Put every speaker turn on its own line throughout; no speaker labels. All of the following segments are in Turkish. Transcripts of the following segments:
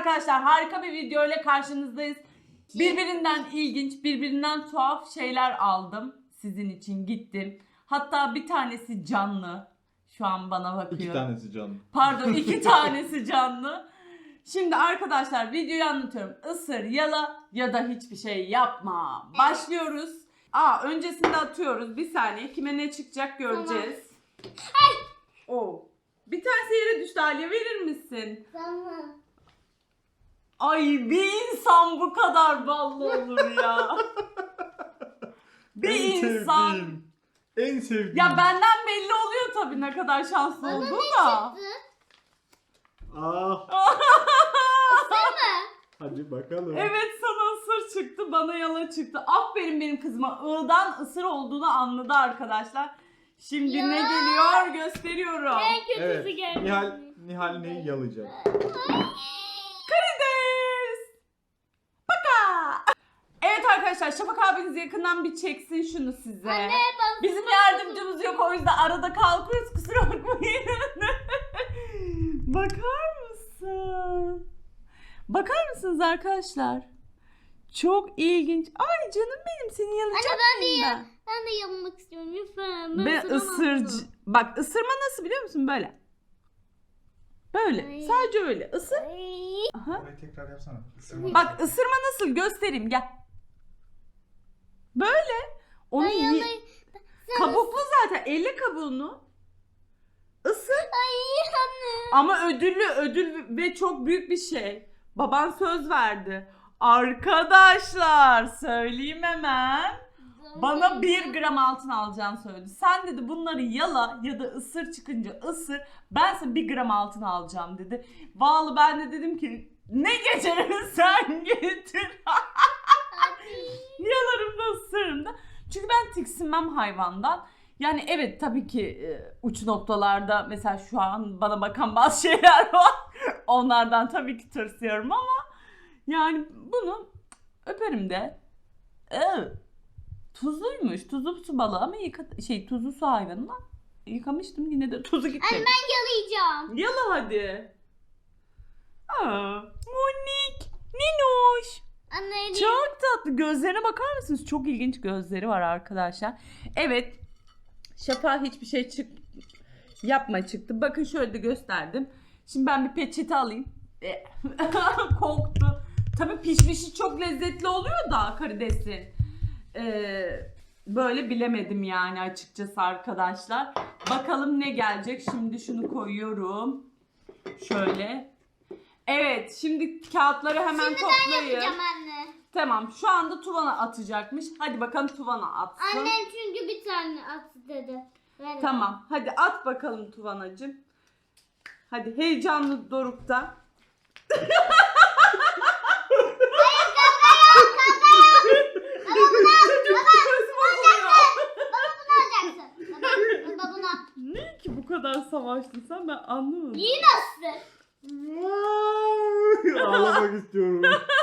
arkadaşlar, harika bir video ile karşınızdayız. Birbirinden ilginç, birbirinden tuhaf şeyler aldım. Sizin için gittim. Hatta bir tanesi canlı. Şu an bana bakıyor.
2 tanesi canlı.
Pardon, 2 tanesi canlı. Şimdi arkadaşlar videoyu anlatıyorum. Isır, yala ya da hiçbir şey yapma. Başlıyoruz. Öncesinde atıyoruz. Bir saniye. Kime ne çıkacak göreceğiz. Tamam. Bir tanesi yere düştü. Aliye, verir misin?
Tamam.
Ay, bir insan bu kadar ballı olur ya. Bir insan.
En sevdiğim.
Ya benden belli oluyor tabii ne kadar şanslı
Bana
olduğu
ne
da.
çıktı?
Hadi bakalım.
Evet, sana ısır çıktı, bana yala çıktı. Aferin benim kızıma. I'dan ısır olduğunu anladı arkadaşlar. Şimdi
Ya.
ne geliyor gösteriyorum.
En kötüsü
Evet.
geldi.
Nihal neyi yalayacak?
Karides. Baka. Evet arkadaşlar, Şafak abiniz yakından bir çeksin şunu size.
Anne bak.
Bizim yardımcımız yok, o yüzden arada kalkıyoruz, kusura bakmayın. Bakar mısın? Bakar mısınız arkadaşlar? Çok ilginç. Ay canım benim, seni yalayacak mıyım ben?
Ben de yanmak istiyorum lütfen.
Ben ısırcı. Bak, ısırma nasıl biliyor musun? Böyle. Böyle.
Ay.
Sadece öyle. Isır. Aha.
Orayı tekrar yapsana. Isırma.
Bak, ısırma nasıl göstereyim, gel. Böyle. Onu kabuklu zaten. Elle kabuğunu. Isır.
Ay anne.
Ama ödül ve çok büyük bir şey. Baban söz verdi. Arkadaşlar söyleyeyim hemen. Bana 1 gram altın alacağını söyledi. Sen dedi bunları yala ya da ısır, çıkınca ısır. Ben sana 1 gram altın alacağım dedi. Vallahi ben de dedim ki ne getirirsen getir. Yalarım da ısırırım da. Çünkü ben tiksinmem hayvandan. Yani evet, tabii ki uç noktalarda mesela şu an bana bakan bazı şeyler var. Onlardan tabii ki tırsıyorum ama yani bunu öperim de. Tuzluymuş. Tuzlu su balığı ama tuzlu su hayvanı. Yıkamıştım, yine de tuzu gitmedi.
Anne ben yalayacağım.
Yala hadi. Monik. Ninoş.
Anne
Çok tatlı. Gözlerine bakar mısınız? Çok ilginç gözleri var arkadaşlar. Evet. Şafa hiçbir şey yapma çıktı. Bakın şöyle de gösterdim. Şimdi ben bir peçete alayım. Koktu. Tabii pişmişi çok lezzetli oluyor da karidesin. Böyle bilemedim yani açıkçası arkadaşlar. Bakalım ne gelecek. Şimdi şunu koyuyorum. Şöyle. Evet, şimdi kağıtları hemen toplayın.
yapacağım anne.
Tamam, şu anda Tuvana atacakmış. Hadi bakalım Tuvana atsın.
Annem çünkü bir tane attı dedi. Ver.
Tamam, hadi at bakalım Tuvanacığım. Hadi heyecanlı dorukta. Ne ki bu kadar savaştın sen, ben anlamadım.
İyi nasıl?
Ağlamak istiyorum.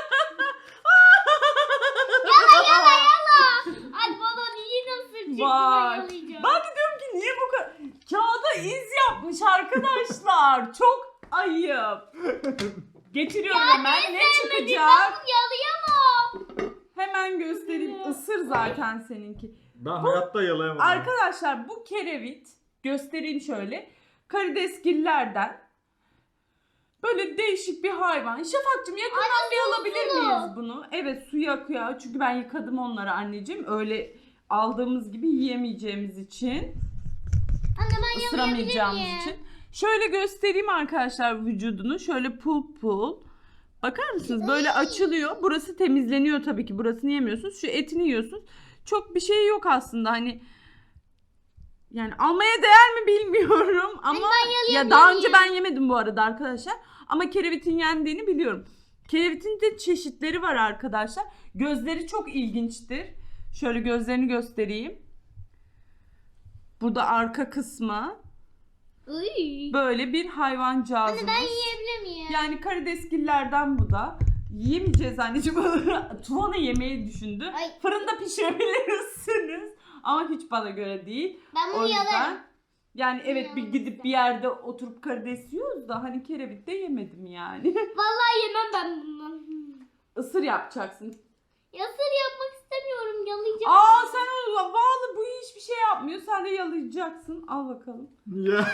Yala. Ay baba iyi nasıl çıktı, ben
Vay.
yalayacağım.
Ben de diyorum ki niye bu kadar... Kağıda iz yapmış arkadaşlar. Çok ayıp. Getiriyorum hemen. Ne çıkacak?
Ben yalayamam.
Hemen göstereyim. Isır zaten seninki.
Ben hayatta yalayamadım.
Arkadaşlar bu kerevit, göstereyim şöyle. Karidesgillerden. Böyle değişik bir hayvan. Şafakcığım yakından bir alabilir miyiz bunu? Evet, suyu akıyor. Çünkü ben yıkadım onları anneciğim. Öyle aldığımız gibi yiyemeyeceğimiz için.
Anne ben yalayabilir
Isıramayacağımız
miyim?
için. Şöyle göstereyim arkadaşlar vücudunu. Şöyle pul. Bakar mısınız? Böyle açılıyor. Burası temizleniyor tabii ki. Burasını yemiyorsunuz. Şu etini yiyorsunuz. Çok bir şey yok aslında. Hani yani almaya değer mi bilmiyorum ama ya daha önce ben yemedim bu arada arkadaşlar. Ama kerevitin yendiğini biliyorum. Kerevitin de çeşitleri var arkadaşlar. Gözleri çok ilginçtir. Şöyle gözlerini göstereyim. Burada arka kısmı.
Uy.
Böyle bir hayvancağızımız.
Anne ben yiyebilir miyim?
Yani karidesgillerden bu da. Yiyemeyeceğiz anneciğim. Tuvana yemeyi düşündü.
Ay.
Fırında pişirebilirsiniz. Ama hiç bana göre değil.
Ben bunu
O yüzden
yalarım.
Yani evet bir gidip bir yerde oturup karides yiyoruz da hani kerevit de yemedim yani.
Vallahi yemem ben bundan.
Isır yapacaksın.
Yasır yapmak istemiyorum. Yalayacağım.
Aa sen o bağlı bu hiçbir şey yapmıyor. Sen de yalayacaksın. Al bakalım.
Ya.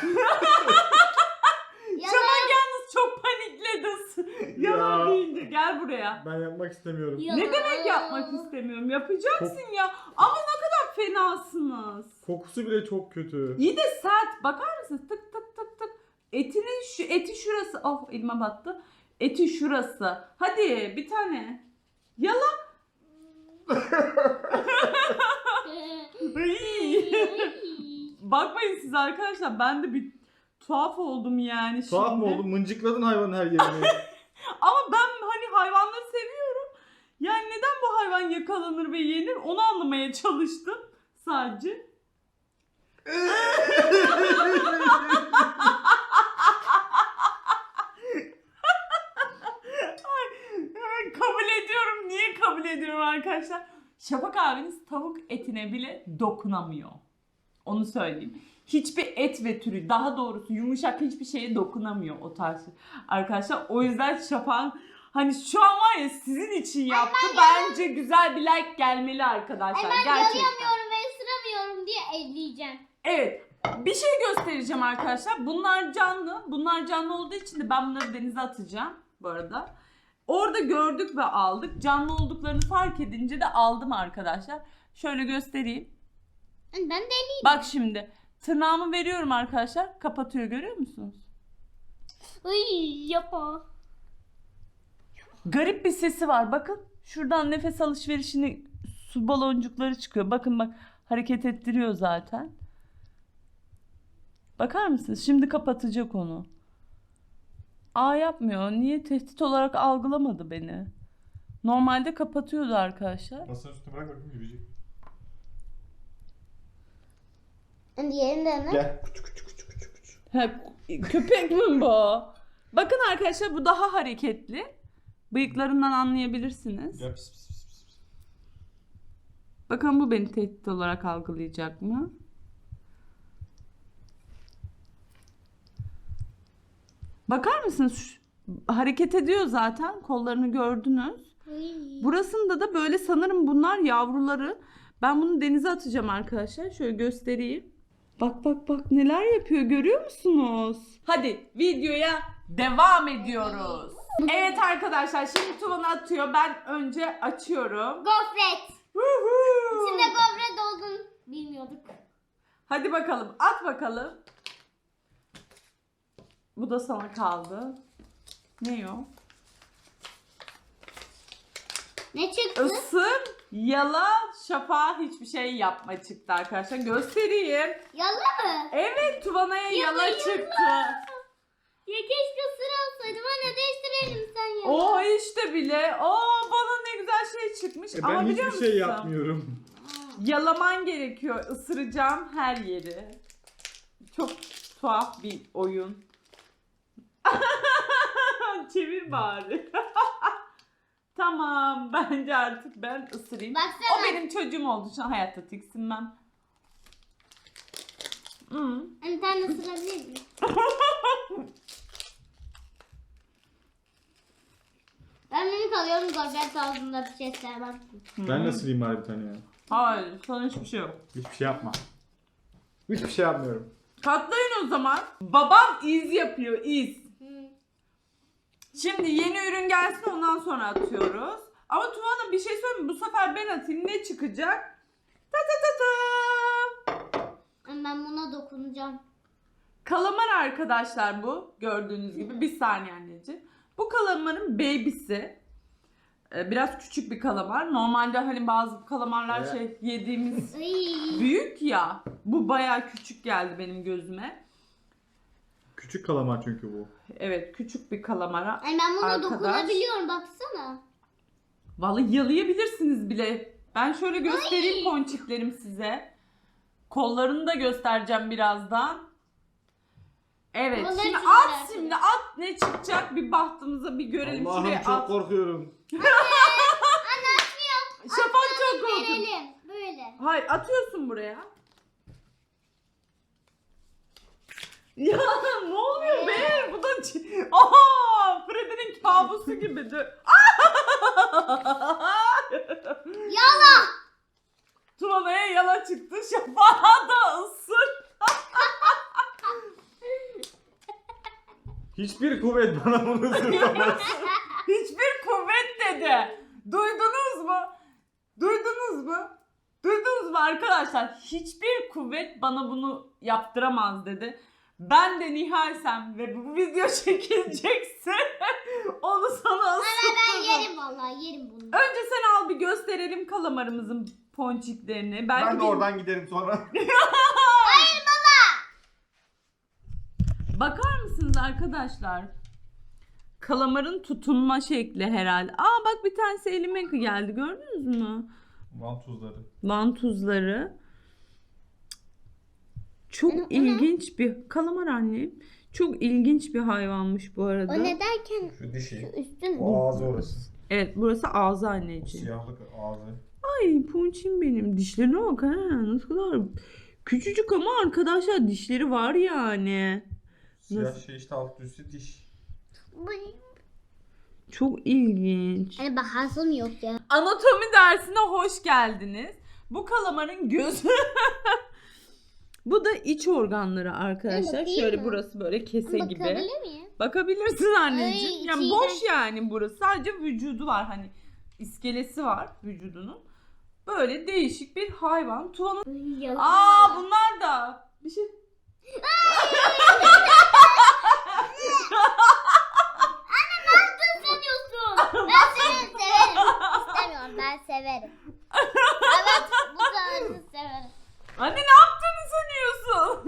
Şafak yalnız çok panikledi. Yalan
Ya.
deyince gel buraya.
Ben yapmak istemiyorum.
Ne demek yapmak istemiyorum? Yapacaksın ya. Ama ne kadar fenasınız.
Kokusu bile çok kötü.
İyi de sert. Bakar mısınız? Tık tık tık tık. Eti şurası. Oh elime battı. Eti şurası. Hadi bir tane. Yala. Iy. Bakmayın siz arkadaşlar. Ben de bir tuhaf oldum yani
Tuhaf
şimdi.
mı oldu? Mıncıkladın hayvanın her yerini.
Ama ben hani hayvanları seviyorum. Yani neden bu hayvan yakalanır ve yenir onu anlamaya çalıştım sadece. Kabul ediyorum. Niye kabul ediyorum arkadaşlar? Şafak abiniz tavuk etine bile dokunamıyor. Onu söyleyeyim. Hiçbir et ve türü, daha doğrusu yumuşak hiçbir şeye dokunamıyor o tarz arkadaşlar. O yüzden Şafak'ın hani şu an var ya sizin için yaptı. Bence güzel bir like gelmeli arkadaşlar.
Ben
Gerçekten.
yalayamıyorum ve ısıramıyorum diye elleyeceğim.
Evet. Bir şey göstereceğim arkadaşlar. Bunlar canlı. Bunlar canlı olduğu için de ben bunları denize atacağım bu arada. Orada gördük ve aldık. Canlı olduklarını fark edince de aldım arkadaşlar. Şöyle göstereyim.
Ben de elleyeyim.
Bak şimdi. Tırnağımı veriyorum arkadaşlar. Kapatıyor görüyor musunuz?
Ay yapma.
Garip bir sesi var. Bakın. Şuradan nefes alışverişini su baloncukları çıkıyor. Bakın bak. Hareket ettiriyor zaten. Bakar mısınız? Şimdi kapatacak onu. Aa yapmıyor. Niye? Tehdit olarak algılamadı beni. Normalde kapatıyordu arkadaşlar.
Masanın üstüne bırak bakayım yürüyecek.
Diğerinde ne?
Gel. Küçük küçük küçük küçük küçük.
Ha, köpek mi bu? Bakın arkadaşlar bu daha hareketli. Bıyıklarından anlayabilirsiniz.
Gel pis pis pis pis.
Bakın bu beni tehdit olarak algılayacak mı? Bakar mısınız? Hareket ediyor zaten. Kollarını gördünüz. Burasında da böyle sanırım bunlar yavruları. Ben bunu denize atacağım arkadaşlar. Şöyle göstereyim. Bak bak bak neler yapıyor görüyor musunuz? Hadi videoya devam ediyoruz. Evet arkadaşlar şimdi Tuvan'a atıyor. Ben önce açıyorum.
Gofret.
Huhu.
İçinde gofret olduğunu bilmiyorduk.
Hadi bakalım at bakalım. Bu da sana kaldı. Ne o?
Ne çıktı?
Isır, yala, Şafak'a hiçbir şey yapma çıktı arkadaşlar. Göstereyim.
Yala mı?
Evet Tuvana'ya yala çıktı.
Ya keşke sıra alsaydım. Anne değiştirelim sen ya.
O işte bile. Bana ne güzel şey çıkmış. Ama
Ben
biliyor
hiçbir
musun?
şey yapmıyorum.
Yalaman gerekiyor. Isıracağım her yeri. Çok tuhaf bir oyun. Çevir bari. Tamam bence artık ben ısırayım.
Baksana.
O benim çocuğum oldu. Şu an hayatta tiksinmem.
Anne sen de ısırabilir miyim? Ben minik alıyorum gofret ağzında bir şey sevmem.
Ben de sırayım bari bir tane ya.
Hayır sana hiçbir şey yok.
Hiçbir şey yapma. Hiçbir şey yapmıyorum.
Katlayın o zaman. Babam iz yapıyor iz.
Hı.
Şimdi yeni ürün gelsin ondan sonra atıyoruz. Ama Tuvan'a bir şey söyleyeyim mi? Bu sefer ben atayım ne çıkacak? Ta ta ta ta.
Ben buna dokunacağım.
Kalamar arkadaşlar bu. Gördüğünüz gibi. Bir saniye anneciğim. Bu kalamarın baby'si. Biraz küçük bir kalamar. Normalde hani bazı kalamarlar
Evet.
yediğimiz
Ay.
büyük ya. Bu bayağı küçük geldi benim gözüme.
Küçük kalamar çünkü bu.
Evet küçük bir kalamara.
Ay ben buna
Arkadaş.
dokunabiliyorum baksana.
Vallahi yalayabilirsiniz bile. Ben şöyle göstereyim ponçiklerim size. Kollarını da göstereceğim birazdan. Evet
Kolları
şimdi
çok
at
merak
şimdi at ne çıkacak bir bahtımıza bir görelim.
Allah'ım
Şuraya
çok
at.
korkuyorum.
Şafak çok korkuyor.
Verelim. Böyle.
Hayır atıyorsun buraya. Ya ne oluyor be? Bu da aha, Freddy'nin kabusu gibi.
Yala.
Tuvana'ya yala çıktı. Şafağa da ısır.
Hiçbir kuvvet bana bunu ısırtamaz.
Hiçbir kuvvet dedi. Duydunuz mu? Duydunuz mu? Duydunuz mu arkadaşlar? Hiçbir kuvvet bana bunu yaptıramaz dedi. Ben de Nihal'sem ve bu video çekilecekse onu sana
Ben
ısıtırım.
yerim vallahi yerim bunu.
Önce sen al bir gösterelim kalamarımızın ponçiklerini. Belki
Ben de
bir-
oradan giderim sonra.
Bakar mısınız arkadaşlar? Kalamarın tutunma şekli herhalde. Aa bak bir tanesi elime geldi, gördünüz mü?
Vantuzları.
Vantuzları. Çok ilginç bir kalamar annem. Çok ilginç bir hayvanmış bu arada.
O ne derken
Şu dişi.
üstün mü?
O ağzı orası.
Evet, burası ağzı anneciğim.
Siyahlık ağzı.
Ay ponçim benim. Dişlerine bak ha. Nasıl kadar küçücük ama arkadaşlar dişleri var yani.
Siyah
Nasıl?
şey işte alt üstü diş.
Çok ilginç.
Hani bahasım yok ya.
Anatomi dersine hoş geldiniz. Bu kalamarın gözü. Bu da iç organları arkadaşlar.
bakayım
Şöyle
mı?
burası böyle kese gibi.
Bakabilir miyim?
Bakabilirsin anneciğim.
Ay,
Yani
içi
boş
iğrenç.
yani burası. Sadece vücudu var, hani iskelesi var vücudunun. Böyle değişik bir hayvan. Tuvanın. Aa bunlar da bir şey.
sanıyorsun? Ben seni severim. İstemiyorum, ben severim. Evet, bu tarzı severim.
Anne ne yaptığını sanıyorsun?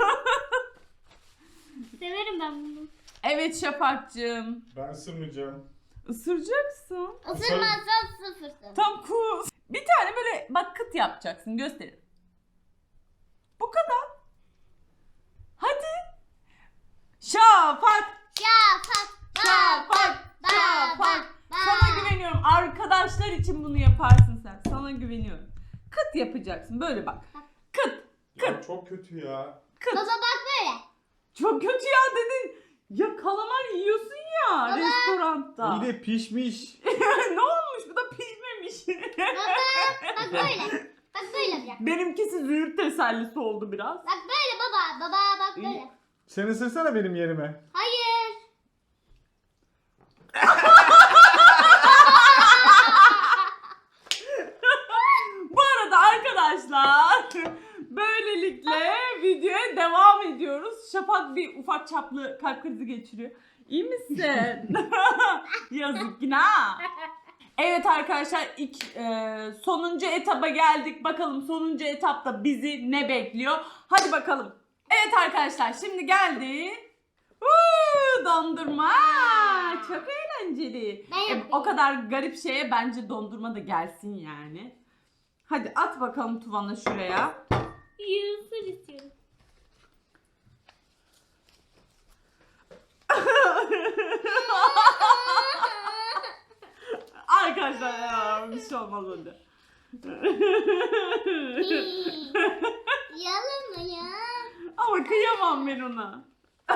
Severim ben bunu.
Evet Şafak'cığım.
Ben ısırmayacağım.
Isıracaksın.
Isırmazsan sıfırsın.
Tam cool. Bir tane böyle bak kıt yapacaksın. Gösterin. Bu kadar. Hadi. Şafak.
Şafak,
Şafak.
bak,
Şafak.
bak.
Sana güveniyorum. Arkadaşlar için bunu yaparsın sen. Sana güveniyorum. Kıt yapacaksın. Böyle bak. Kıt.
Ya çok kötü ya.
Kıt.
Baba bak böyle.
Çok kötü ya dedin. Ya kalamar yiyorsun ya restoranda.
İyi de pişmiş.
Ne olmuş? Bu da pişmemiş.
Bak böyle. Bak böyle yap.
Benimkisi züğürt tesellisi oldu biraz.
Bak böyle baba. Baba bak böyle.
Sen ısırsana benim yerime.
Hayır.
Bu arada arkadaşlar böylelikle videoya devam ediyoruz. Şafak bir ufak çaplı kalp krizi geçiriyor. İyi misin? Yazık günah. Evet arkadaşlar sonuncu etaba geldik. Bakalım sonuncu etapta bizi ne bekliyor? Hadi bakalım. Evet arkadaşlar şimdi geldi. Dondurma. Çok eğlenceli.
Ben yapayım.
O kadar garip şeye bence dondurma da gelsin yani. Hadi at bakalım Tuvan'a şuraya.
Yusur istiyorum.
Arkadaşlar ya bir şey olmaz hadi.
Yalan mı ya?
Ama kıyamam ben ona.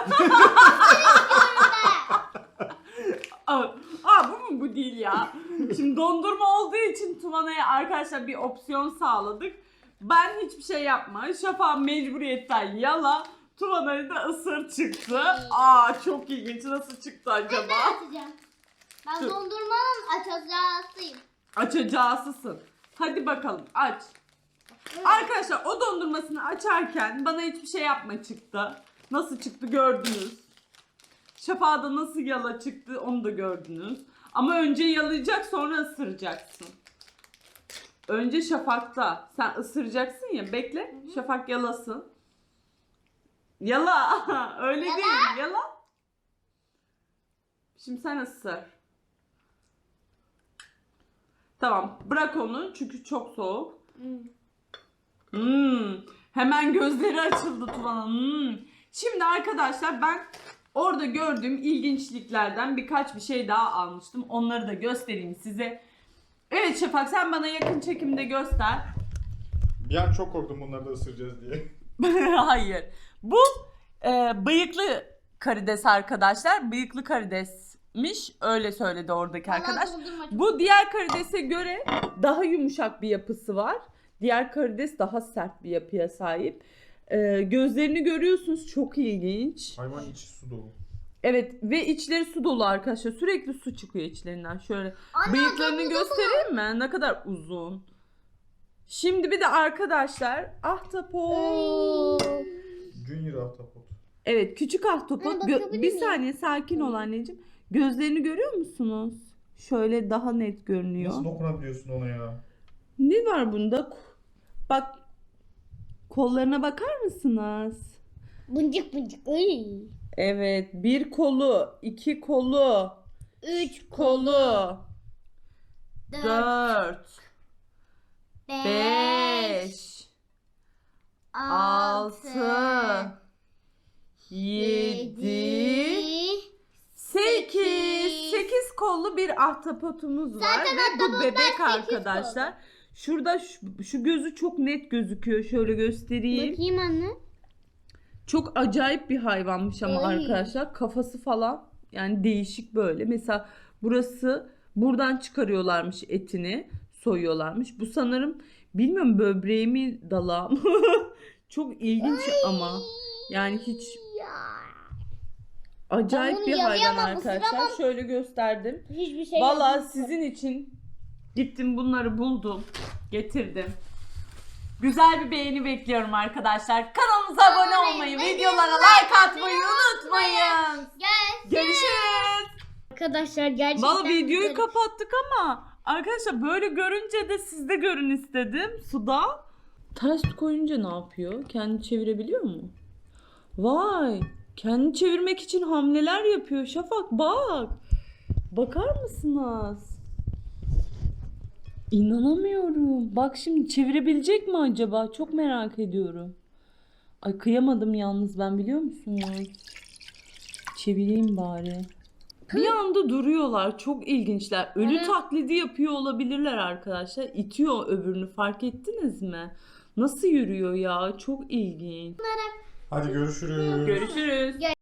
Bu mu bu değil ya. Şimdi dondurma olduğu için Tuvana'ya arkadaşlar bir opsiyon sağladık. Ben hiçbir şey yapma. Şafak mecburiyetten yala. Tuvana'yı da ısır çıktı. Çok ilginç. Nasıl çıktı acaba?
Ben atacağım. Ben
Dur.
dondurmanın açacağısıyım.
Açacağısısın. Hadi bakalım aç. Arkadaşlar o dondurmasını açarken bana hiçbir şey yapma çıktı. Nasıl çıktı gördünüz. Şafak'da nasıl yala çıktı onu da gördünüz. Ama önce yalayacak sonra ısıracaksın. Önce Şafak'ta. Sen ısıracaksın ya, bekle. Şafak yalasın. Yala. Öyle
Yala.
değil. Yala. Şimdi sen ısır. Tamam. Bırak onu çünkü çok soğuk. Hemen gözleri açıldı Tuvan'ın. Şimdi arkadaşlar ben orada gördüğüm ilginçliklerden birkaç bir şey daha almıştım. Onları da göstereyim size. Evet Şafak sen bana yakın çekimde göster.
Bir an çok korktum bunları da ısıracağız diye.
Hayır. Bu Bıyıklı karides arkadaşlar. Bıyıklı karidesmiş. Öyle söyledi oradaki arkadaş.
Vallahi dondurma çok-
Bu diğer karidese göre daha yumuşak bir yapısı var. Diğer karides daha sert bir yapıya sahip. Gözlerini görüyorsunuz, çok ilginç.
Hayvan içi su dolu.
Evet ve içleri su dolu arkadaşlar. Sürekli su çıkıyor içlerinden. Şöyle
Ana,
bıyıklarını
dolu
göstereyim mi? Ne kadar uzun. Şimdi bir de arkadaşlar ahtapot.
Junior ahtapot.
Evet, küçük ahtapot.
Ana, bakabilir
Bir
miyim?
saniye sakin ol anneciğim. Gözlerini görüyor musunuz? Şöyle daha net görünüyor.
Nasıl dokunabiliyorsun ona ya?
Ne var bunda? Bak, kollarına bakar mısınız?
Buncuk buncuk. Ay.
Evet, bir kolu, iki kolu,
3,
kolu,
4,
4,
5,
5,
6,
6, 7, 8. 8 kollu bir ahtapotumuz var ve bu bebek arkadaşlar. Şurada şu gözü çok net gözüküyor. Şöyle göstereyim.
Bakayım anne.
Çok acayip bir hayvanmış ama
Ay.
arkadaşlar. Kafası falan yani değişik böyle. Mesela burası, buradan çıkarıyorlarmış etini. Soyuyorlarmış. Bu sanırım bilmiyorum böbreği mi dalağı mı? Çok ilginç ama. Yani hiç acayip
Ben bunu
bir hayvan
yalayamam,
arkadaşlar.
ısıramam.
Şöyle gösterdim.
Hiçbir şey
Vallahi
yok.
sizin için gittim bunları buldum. Getirdim. Güzel bir beğeni bekliyorum arkadaşlar. Kanalımıza abone olmayı, videolara like atmayı unutmayın. Görüşürüz.
Arkadaşlar gerçekten
Vallahi videoyu
güzel.
kapattık ama arkadaşlar böyle görünce de siz de görün istedim suda. Ters koyunca ne yapıyor? Kendini çevirebiliyor mu? Vay! Kendini çevirmek için hamleler yapıyor. Şafak bak. Bakar mısınız? İnanamıyorum. Bak şimdi çevirebilecek mi acaba? Çok merak ediyorum. Ay kıyamadım yalnız ben, biliyor musunuz? Çevireyim bari. Bir anda duruyorlar. Çok ilginçler. Ölü
Evet.
taklidi yapıyor olabilirler arkadaşlar. İtiyor öbürünü, fark ettiniz mi? Nasıl yürüyor ya? Çok ilginç.
Hadi görüşürüz.
Görüşürüz.